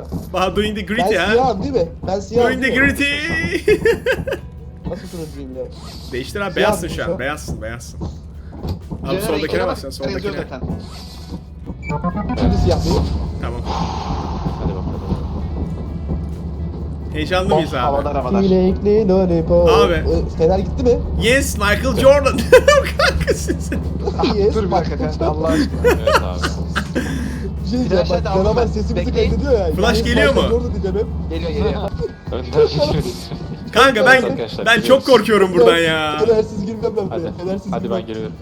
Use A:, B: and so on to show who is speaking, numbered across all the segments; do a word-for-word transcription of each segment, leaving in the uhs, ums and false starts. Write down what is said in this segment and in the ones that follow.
A: Baha doing the
B: Ben
A: gritty ha.
B: siyahım değil mi? Ben siyahım
A: Doing the
B: değil mi?
A: gritty.
B: Nasıl turuncuyum ya?
A: Değiştir abi,
B: Siyah
A: beyazsın
B: mı
A: şu
B: şu?
A: an. Beyazsın, beyazsın. Abi
C: Cener
A: soldakine
C: ekrana
A: bas sen,
C: bak, yazıyor
A: soldakine.
C: zaten.
B: Şimdi siyah değil.
A: Tamam.
D: Hadi bakalım.
A: Heyecanlı mıyız abi?
C: Havadar havadar.
B: Çilekli lollipop.
A: Abi.
B: Ee, Fener gitti mi?
A: Yes, Michael Jordan. Kanka siz.
B: Yes,
C: Dur bir
B: bak.
C: dakika kanka Allah aşkına.
D: Evet abi.
B: Bir şey diyeceğim
C: Flash
B: bak.
C: hadi aldım
B: Canavar
C: ben.
B: sesimizi
C: Bekleyin.
B: kaydediyor ya.
A: Flash
B: Yani
A: geliyor mu?
B: Michael Jordan diyeceğim hep.
C: Geliyor geliyor.
D: Önden geçiyoruz.
A: Kanka ben
D: Arkadaşlar,
A: ben
D: gidiyoruz.
A: çok korkuyorum buradan ya.
B: Fenersiz girmem ben
D: Hadi.
B: buraya. Fenersiz
D: Hadi
B: girmem.
D: ben geliyorum.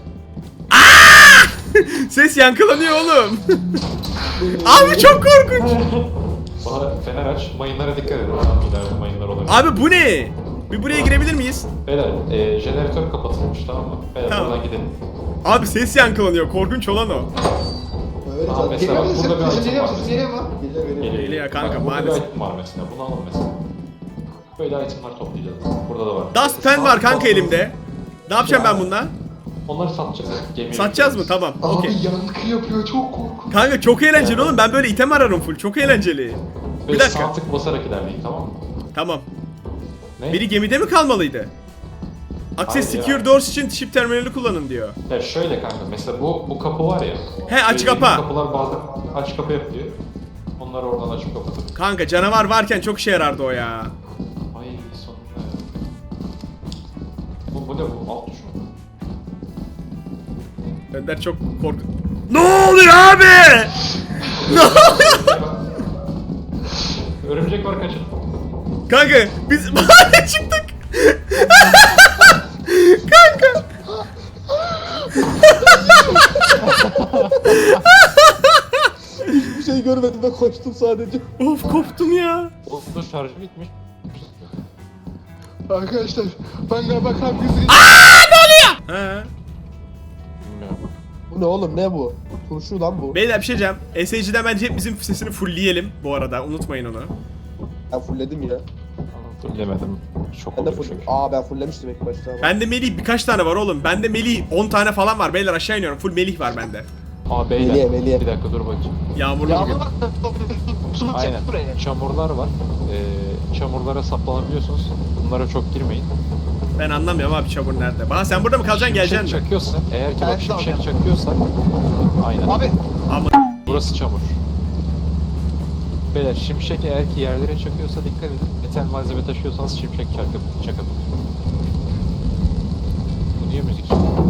A: Ses yankılanıyor oğlum. Abi çok korkunç.
D: Bana fener aç. Mayınlara dikkat edin. İleride mayınlar olabilir.
A: Abi bu ne? Bir buraya girebilir miyiz?
D: Beyler, e, jeneratör kapatılmış tamam mı? Beyler
A: Tamam.
D: buradan gidelim.
A: Abi ses yankılanıyor. Korkunç olan o.
B: Öyle
D: Aa,
B: canım.
D: mesela
C: Geliyor
D: bak
C: musun?
D: burada bir
C: Sesin
D: item
C: geliyor
D: var.
C: mu? Sesin geliyor mu?
B: Geliyor, geliyor.
D: Geliyor.
A: Geliyor kanka,
D: Bak, burada
A: maalesef.
D: bir item var mesela. Bunu alın mesela. Böyle itemler toplayacağız. Burada da var.
A: Dustpan var kanka elimde. Ne yapacağım ben bununla?
D: Onları satacağız. Gemiye
A: Satacağız mı?
D: götüreceğiz.
A: Tamam.
C: Abi
A: Okey.
C: yankı yapıyor çok korkunç.
A: Kanka çok eğlenceli oğlum. Ben böyle item ararım full. Çok eğlenceli.
D: Böyle
A: Bir dakika.
D: sağ tık basarak ilerleyin tamam mı?
A: Tamam.
D: Ne?
A: Biri gemide mi kalmalıydı? Access
D: Hayır ya.
A: Secure Doors için ship terminali kullanın diyor.
D: Ya şöyle kanka mesela bu bu kapı var ya.
A: He, aç
D: Böyle
A: kapa.
D: yeni Kapılar bazen aç kapı yapıyor. Onları oradan açıp kapatıp.
A: Kanka canavar varken çok işe yarardı o ya.
D: Ay sonunda ya. Bu, bu ne bu? Alt tuş mu?
A: Önder çok korku... Ne oluyor abi? Ne oluyor?
D: Örümcek var kaçın.
A: Kanka biz bahane çıktık. Kanka.
B: Hiçbir şey görmedim ben koştum sadece.
A: Of koptum ya.
D: Olsun şarjı bitmiş.
C: Arkadaşlar ben galiba kalp krizi
A: He.
D: Bilmiyorum.
B: Bu ne oğlum ne bu? Turşu lan bu.
A: Beyler bir şey diyeceğim. S A G'den bence hep bizim sesini fullleyelim bu arada. Unutmayın onu.
B: Ben fullledim ya.
D: Fullemedim. Çok
B: Ben de
D: oluyor
B: full...
D: çünkü.
B: Aa ben fulllemiştim ilk başta ama.
A: Bende Melih birkaç tane var oğlum. Bende Melih on tane falan var. Beyler aşağı iniyorum. Full Melih var bende.
D: Aa beyler.
B: Meliye, Meliye.
D: Bir dakika dur bakayım.
A: Yağmurlu bugün.
C: Yağmur bak. Su
D: Aynen.
C: bakacak buraya.
D: Çamurlar var. Ee, çamurlara saplanabiliyorsunuz. Bunlara çok girmeyin.
A: Ben anlamıyorum abi çamur nerede. Baha sen burada mı kalacaksın, geleceksin
D: Şimşek
A: mi?
D: çakıyorsa, eğer ki
C: Ben
D: bak
C: de
D: şimşek
C: alacağım.
D: çakıyorsa, aynen.
C: Abi
A: Ama
D: Burası çamur. Beyler şimşek eğer ki yerlere çakıyorsa dikkat edin. Metal malzeme taşıyorsanız şimşek çakıp çakabilir. Bu niye müzik?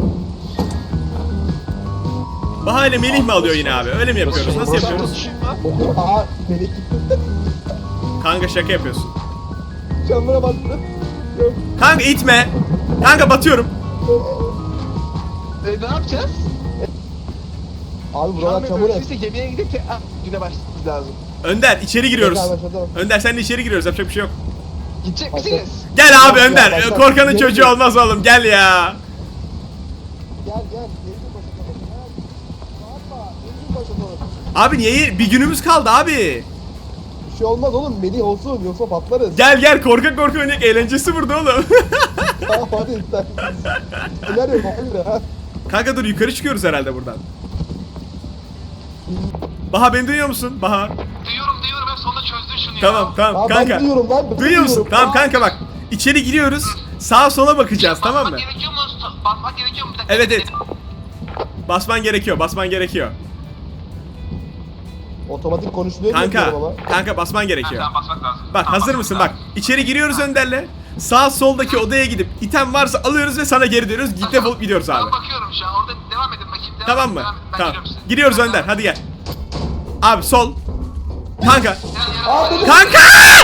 A: Baha ile Melih mi alıyor yine abi? Öyle mi yapıyoruz? Nasıl
D: Burası-
A: yapıyoruz?
B: Aa melek gitti.
A: Kanka şaka yapıyorsun.
B: Çamura bastı. Yok.
A: Kanka itme. Kanka batıyorum.
C: e, ne yapacağız?
B: Abi
C: Şu an
B: buralar
C: bir
B: çamur hep.
C: bölümse gemiye gidip te- ah, güne başlamamız lazım.
A: Önder içeri giriyoruz.
B: Tekrar başlatalım.
A: Önder sen de içeri giriyoruz. Yapacak bir şey yok.
C: Gidecek
B: Başla.
C: misiniz?
A: Gel abi
B: Ya,
A: Önder.
B: başla.
A: Korkanın
B: Gel,
A: çocuğu
B: gel.
A: olmaz oğlum. Gel ya.
B: Gel gel. Yeniden başlatalım. Ha, Bağırma. Yeniden başlatalım.
A: Abi niye? Bir günümüz kaldı abi.
B: Bir şey olmaz oğlum. Melih olsun yoksa patlarız.
A: Gel gel korkak korkak oynayacak. Eğlencesi burada oğlum.
B: Tamam hadi sen. Neler yok hayır ha.
A: Kanka dur yukarı çıkıyoruz herhalde buradan. Baha beni duyuyor musun? Baha.
C: Duyuyorum duyuyorum hep sonunda çözdün şunu ya.
A: Tamam tamam
B: Aa, ben
A: kanka.
B: duyuyorum lan, ben
A: Duyuyor musun?
B: duyuyorum.
A: Tamam
B: Aa.
A: kanka bak. İçeri giriyoruz. Sağa sola bakacağız tamam mı?
C: Basmak gerekiyor mu? Basmak gerekiyor mu? Bir dakika.
A: Evet evet. Basman gerekiyor. Basman gerekiyor.
B: Otomatik konuşuluyor
A: Kanka.
B: diyorum ama.
A: Kanka basman gerekiyor.
C: Tamam basmak lazım.
A: Bak
C: Tamam,
A: hazır
C: basmak
A: mısın?
C: lazım.
A: Bak. İçeri giriyoruz Önder'le. Sağ soldaki odaya gidip item varsa alıyoruz ve sana geri dönüyoruz. Git defolup gidiyoruz abi.
C: Ben bakıyorum şu an orada devam edin bakayım. Devam
A: Tamam
C: edin,
A: mı?
C: devam edin. Ben
A: Tamam.
C: geliyorum size.
A: Gidiyoruz Önder. Hadi gel. Abi sol. Kanka.
C: Gel, gel,
B: Aa
C: gel.
B: beni
A: Kanka!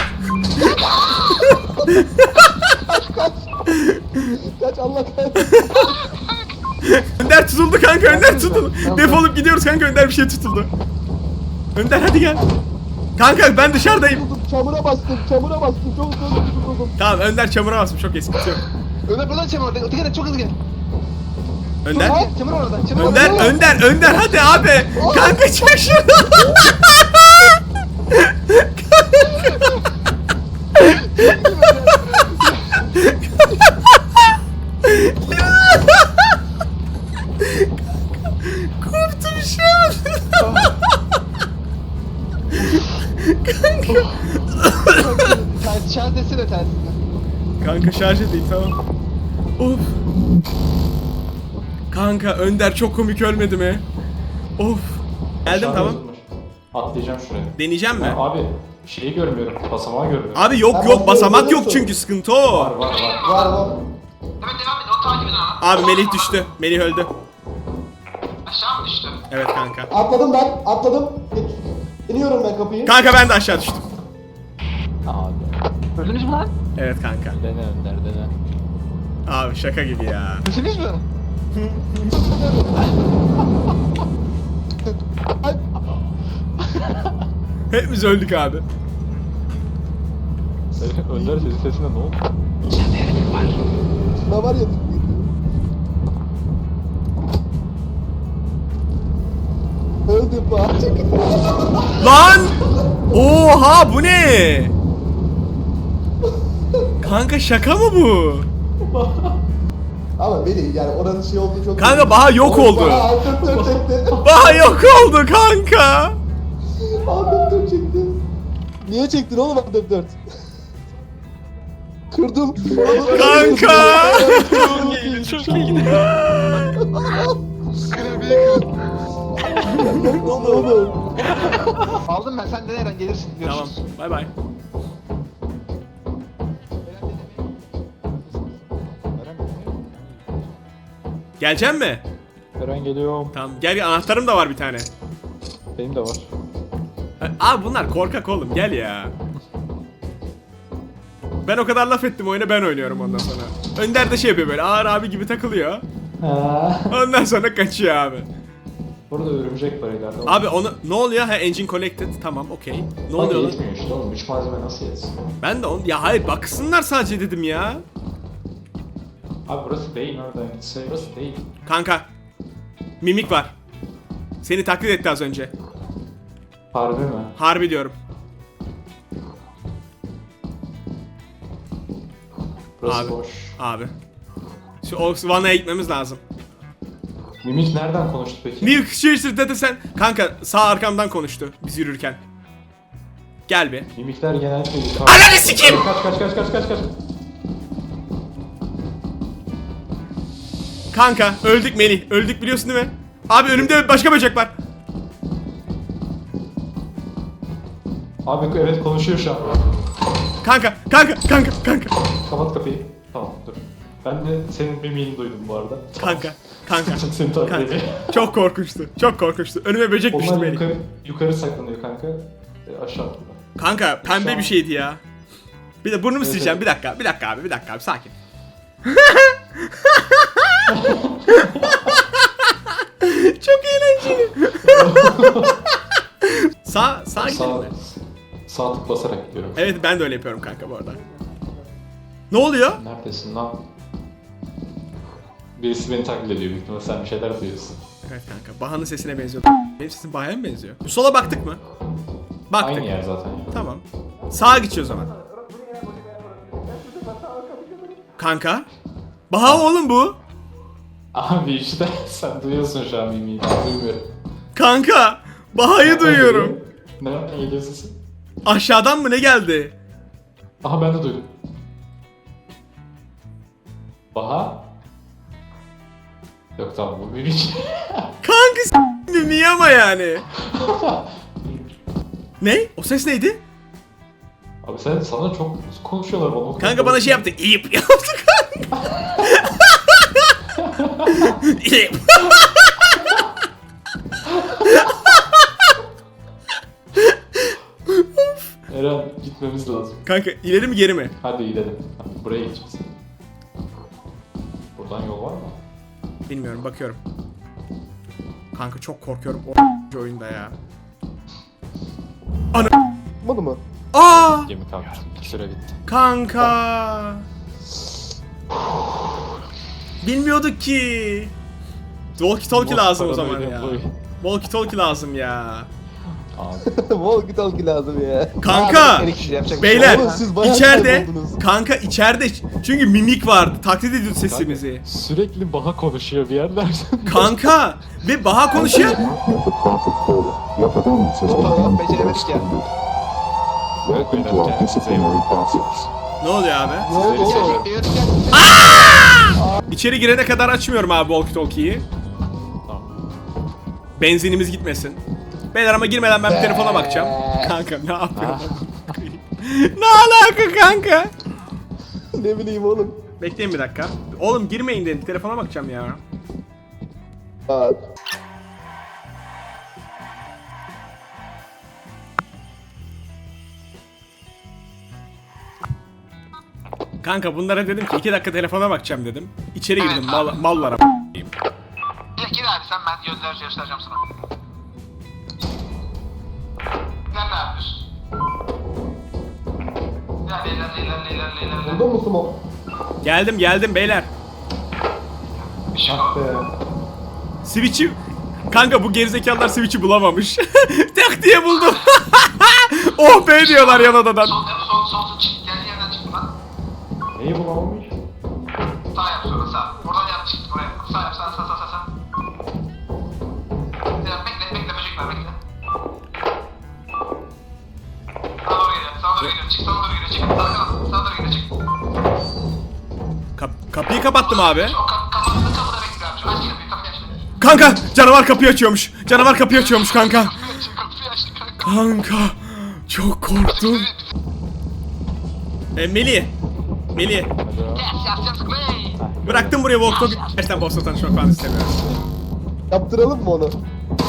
B: kaç Allah kahretsin.
A: Önder tutuldu kanka. Önder tutuldu. Defolup gidiyoruz kanka. Önder bir şey tutuldu. Önder hadi gel. Kanka ben dışarıdayım.
B: Tutuldum, çamura bastım, çamura bastım. Çok hızlı tutuldum.
A: Tamam Önder çamura basmış. Çok eski yok.
C: Ömer buradan çamur orada. Dikkat et çok hızlı gel.
A: Önder.
C: Gel, Çamur orada. Çamur
A: Önder,
C: orada.
A: Önder, Önder hadi abi. Kanka çek şunu. Korktum şu an. kanka.
C: Ters şarj desene tersine.
A: Kanka şarj edeyim tamam. Of. Kanka Önder çok komik ölmedi mi? Of. Geldim
D: Aşağı
A: tamam.
D: yazılmış. Atlayacağım şuraya.
A: Deneyeceğim mi?
D: Ya abi şeyi görmüyorum. Basamağı görmüyorum.
A: Abi yok
B: Tamam,
A: yok basamak
B: görüyorum,
A: yok çünkü sıkıntı
D: Var
A: o.
D: var var.
B: Var var.
C: Evet devam edin. O takip edin ama.
A: Abi Melih düştü. Melih öldü.
C: Aşağı mı düştü?
A: Evet kanka.
B: Atladım ben. Atladım. İniyorum ben kapıyı.
A: Kanka ben de aşağı düştüm.
D: Abi.
C: Öldünüz mü lan?
A: Evet kanka.
D: Dene Önder dene.
A: Abi şaka gibi ya.
C: Öldünüz mü?
A: Hepimiz öldük abi.
D: Önder senin sesine ne oldu?
B: Ne var ya? Öldüm bak.
A: Lan! Oha bu ne? Kanka şaka mı bu?
B: Ama beni yani oranın şey olduğu çok...
A: Kanka Baha yok oldu.
B: Baha altın tır çekti.
A: Baha yok oldu kanka.
B: Altın tır çekti. Niye çektin oğlum altın dört? Kırdım.
A: Kanka.
B: Çok iyi, çok iyi.
C: Klavyeyi kır.
B: Ne oldu oğlum?
C: Aldım ben. Sen de nereden gelirsin?
A: Tamam.
C: Görüşürüz.
A: Bay bay. Gelecek mi?
D: Eren geliyorum.
A: Tamam gel gel, anahtarım da var bir tane.
D: Benim de var.
A: Abi bunlar korkak oğlum gel ya. Ben o kadar laf ettim oyuna ben oynuyorum ondan sonra. Önder de şey yapıyor böyle ağır abi gibi takılıyor.
D: Ha.
A: Ondan sonra kaçıyor abi.
D: Burada örümcek var ileride.
A: Abi onu ne oluyor? Ha engine collected. Tamam okey. Ne
D: Bak
A: oluyor? lan?
D: yetmiyor işte oğlum. Üç malzeme nasıl yetsin?
A: Ben de onu ya hayır baksınlar sadece dedim ya.
D: Abi burası değil oradan gitse burası değil.
A: Kanka. Mimik var. Seni taklit etti az önce.
D: Harbi mi?
A: Harbi diyorum.
D: Burası
A: Abi.
D: boş.
A: Abi. Şu o vanaya gitmemiz lazım.
D: Mimik nereden konuştu peki?
A: Mimik şişir dedi sen. Kanka sağ arkamdan konuştu biz yürürken. Gel bir.
D: Mimikler genellikle yukarı.
A: Ananı sikeyim!
D: Kaç kaç kaç kaç kaç kaç.
A: Kanka öldük Melih. Öldük biliyorsun değil mi? Abi önümde başka böcek var.
D: Abi evet konuşuyor şu an.
A: Kanka kanka kanka kanka.
D: Kapat kapıyı. Tamam dur. Ben de senin mimiğini duydum bu arada.
A: Kanka kanka.
D: Seni takip
A: Kanka.
D: edeyim.
A: Çok korkunçtu. Çok korkunçtu. Önüme böcek düştü
D: Onlar
A: Melih.
D: yukarı, yukarı saklanıyor kanka. E, aşağı atıyor.
A: Kanka pembe
D: Şu
A: bir
D: an-
A: şeydi ya. Bir de burnumu
D: Evet,
A: sileceğim.
D: evet.
A: Bir dakika. Bir dakika abi. Bir dakika abi. Sakin. Çok eğlenceli. sağ sağ gidelim
D: Sağ,
A: mi?
D: sağ tık basarak gidiyorum.
A: Evet ben de öyle yapıyorum kanka bu arada. Ne oluyor?
D: Neredesin lan? Birisi beni taklit ediyor. Büyük ihtimalle sen bir şeyler duyuyorsun.
A: Evet kanka. Baha'nın sesine benziyor. Benim sesim Baha'ya mı benziyor? Bu sola baktık mı? Baktık.
D: Aynı yer zaten. ya.
A: Tamam. Sağa gideceğiz o zaman. Kanka. Baha oğlum bu.
D: Abi işte sen duyuyorsun şu an mimiği. Ben duymuyorum.
A: Kanka. Baha'yı duyuyorum.
D: Nereden geliyor sesin?
A: Aşağıdan mı ne geldi?
D: Aha ben de duydum. Baha? Yok tamam bu mimik.
A: Kanka s**tim niye ama yani? Ne? O ses neydi?
D: Abi sen sana çok konuşuyorlar bana. o kadar
A: Kanka bana şey yaptı. İyip yaptı kanka. İyip.
D: Eren gitmemiz lazım.
A: Kanka ileri mi geri mi?
D: Hadi gidelim. Buraya gideceğiz. Buradan yol var mı?
A: Bilmiyorum bakıyorum. Kanka çok korkuyorum o oyunda ya. Ana.
B: Olmadı mı?
A: Aa!
D: Gemi kalktı. Süre bitti.
A: Kanka. Bilmiyorduk ki. Walkie talkie lazım o zaman ya. Walkie talkie lazım ya.
D: Abi.
B: Walkie talkie lazım ya.
A: Kanka.
C: Erik kişi yapacak bir şey
A: Beyler
B: Oğlum siz bayağı
A: içeride
B: kayboldunuz.
A: kanka içeride çünkü mimik vardı taklit ediyordu sesimizi.
D: Sürekli Baha konuşuyor bir yerlerden.
A: Kanka ve Baha konuşuyor.
C: yok. Beceremedik ya.
E: Welcome to our disciplinary process.
A: Ne oluyor abi?
B: Ne oldu oğlum?
A: İçeri girene kadar açmıyorum abi walkie talkie'yi.
D: Tamam.
A: Benzinimiz gitmesin. Beyler ama girmeden ben bir telefona bakacağım. Kanka ne yapıyorsun? Ne alaka kanka?
B: Ne bileyim oğlum.
A: Bekleyin bir dakika. Oğlum girmeyin dedim. Telefona bakacağım ya.
B: Aa,
A: Kanka bunlara dedim ki iki dakika telefona bakacağım dedim. İçeri girdim mal, mallara.
C: Gir gir abi sen ben yönler göstereceğim sana. Sen ne yapıyorsun? İlerle ilerle ilerle ilerle ilerle.
B: Buldun mu Sumo?
A: Geldim geldim beyler.
C: Bir şey yok.
A: Switch'i... Kanka bu gerizekalılar Switch'i bulamamış. Tak diye buldum. Oh be diyorlar yan odadan.
C: Sol yap sol sol sol çık. Geldiği yerden çıktı lan.
B: Neyi bulamamış?
C: Sağ yap sonra sağ. Oradan yap çıktı oraya. Sağ yap sağ sağ sağ sağ. sağ. Ya bekle bekle böcekler bekle. Sağa doğru geliyor. Sağa doğru geliyor. Çık sağa doğru geliyor. Çık. Sağa doğru. Sağa doğru geliyor. Çık.
A: Kap- kapıyı kapattım abi.
C: O kap kapının kapıda bekle abi. Şu aç kapıyı kapıyı aç.
A: Kanka canavar kapıyı açıyormuş. Canavar kapıyı açıyormuş kanka.
C: Kapıyı aç kapıyı aç kanka.
A: Kanka çok korktum. E, Melih. Melih.
C: Yes yes yes play.
A: Bıraktım buraya walk talk. Gerçekten boss'la tanışmak falan istemiyorum.
B: Yaptıralım mı onu?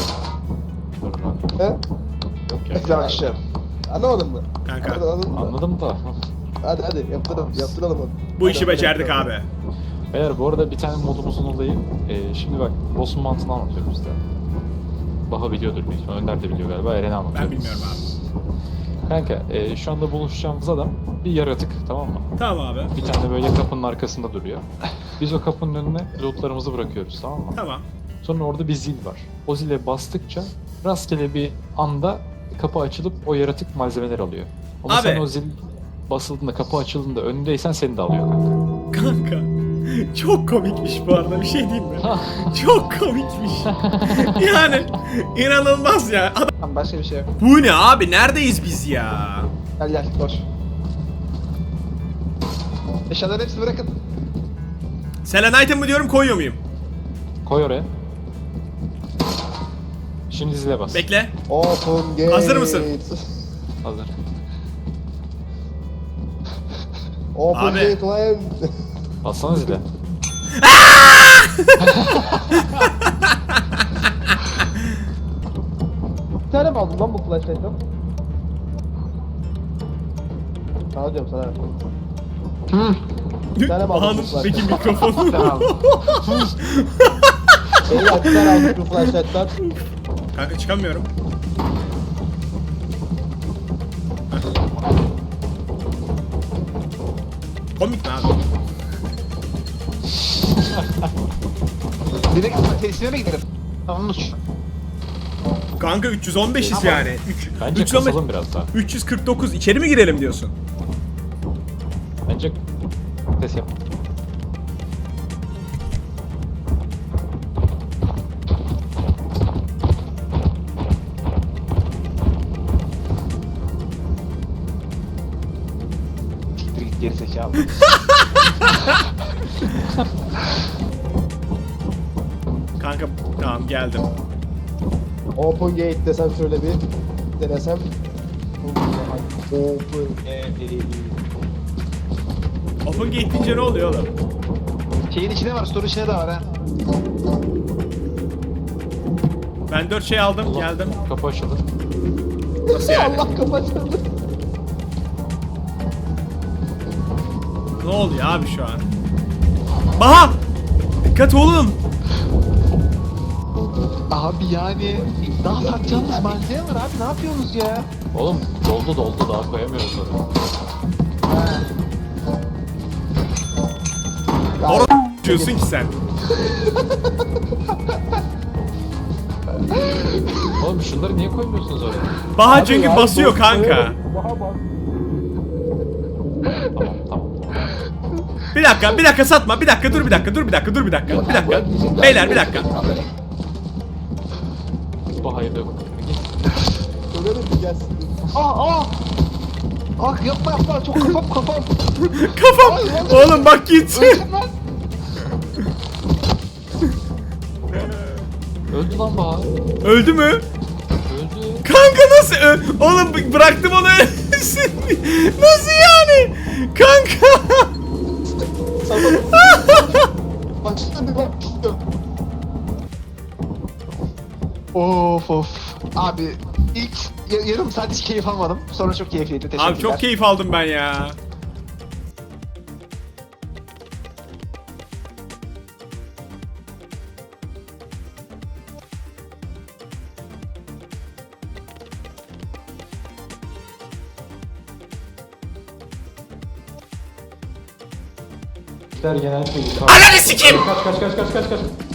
B: He?
D: Yok ya.
C: Güzel aşağı.
B: Anlamadın mı?
A: Kanka.
B: Anladın mı?
D: Anladım da.
B: Hadi hadi yaptıralım, yaptıralım onu.
A: Bu işi becerdik abi.
D: Beyler bu arada bir tane modumuzun olayı. Ee, şimdi bak boss'un mantığını anlatıyorum size. Baha biliyordur büyük ihtimalle. Önder de biliyor galiba. Eren'e anlatıyorum.
A: Ben bilmiyorum abi.
D: Kanka e, şu anda buluşacağımız adam bir yaratık, tamam mı?
A: Tamam abi.
D: Bir tane böyle kapının arkasında duruyor. Biz o kapının önüne lootlarımızı bırakıyoruz, tamam mı?
A: Tamam.
D: Sonra orada bir zil var. O zile bastıkça rastgele bir anda kapı açılıp o yaratık malzemeler alıyor. Ama
A: Abi.
D: sen o zil basıldığında, kapı açıldığında önündeysen seni de alıyor kanka.
A: Kanka. Çok komikmiş bu arada bir şey diyeyim mi? Çok komikmiş. Yani inanılmaz ya. Adam-
C: Tamam başka bir şey yok.
A: Bu ne abi? Neredeyiz biz ya?
C: Gel gel boş. Eşyaların hepsini bırakın.
A: Selenite mı diyorum koyuyor muyum?
D: Koy oraya. Şimdi zile bas.
A: Bekle.
B: Open gate.
A: Hazır mısın?
D: Hazır.
B: Open
A: Abi.
B: gate lan.
D: Bassana zile.
B: Bir tane mi aldın lan bu flashlight'tan? Sana diyorum sana. Bir tane mi aldın
A: Bahanın
B: bu
A: peki
B: flashlight'tan?
A: mikrofonu.
B: Beyler bir tane aldık bu flashlight'tan.
A: Kanka çıkamıyorum. Komik mi abi?
C: Direkt tesisine mi gidelim? Tamam uç.
A: Kanka üç yüz on beşiz yani. Üç-
D: Bence
A: üç yüz on beş
D: kasalım biraz daha.
A: üç yüz kırk dokuz içeri mi girelim diyorsun?
D: Bence ses yap.
C: Siktir git geri zekalı.
A: Kanka tamam geldim.
B: Open gate desem şöyle bir denesem. Open gate.
A: Open gate deyince ne oluyor oğlum?
C: Şeyin içinde var, store içinde de var ha.
A: Ben dört şey aldım
D: Allah,
A: geldim.
D: Kapı açıldı.
A: Nasıl yani?
B: Allah kapatıldı.
A: Ne oluyor abi şu an? Baha! Dikkat oğlum!
C: Abi yani daha satacağımız malzeme var abi, ne yapıyorsunuz ya?
D: Oğlum doldu doldu daha koyamıyoruz oraya.
A: Doğru diyorsun ki sen.
D: Oğlum şunları niye koymuyorsunuz oraya?
A: Baha çünkü basıyor kanka.
B: Baha bak.
D: Tamam tamam.
A: Bir dakika bir dakika satma bir dakika dur bir dakika dur bir dakika dur bir dakika bir dakika. Beyler bir dakika.
D: Bu hayırlı yok.
B: Öyle mi gelsin?
C: Aa aa!
F: Ah yapma yapma çok kafam kafam.
A: Kafam.
F: Ay, vallahi-
A: Oğlum bak git.
F: Öldüm lan.
D: Öldü lan Bahar.
A: Öldü mü?
D: Öldü.
A: Kanka nasıl? Ö- Oğlum b- bıraktım onu ölsün. Nasıl yani? Kanka.
B: Başta bir bak.
F: Of of. Abi ilk ya- yarım saat hiç keyif almadım. Sonra çok keyifliydi. Teşekkürler.
A: Abi çok keyif aldım ben ya.
D: İşler genellikle yukarı.
A: Ananı sikeyim.
D: Kaç kaç kaç kaç kaç kaç.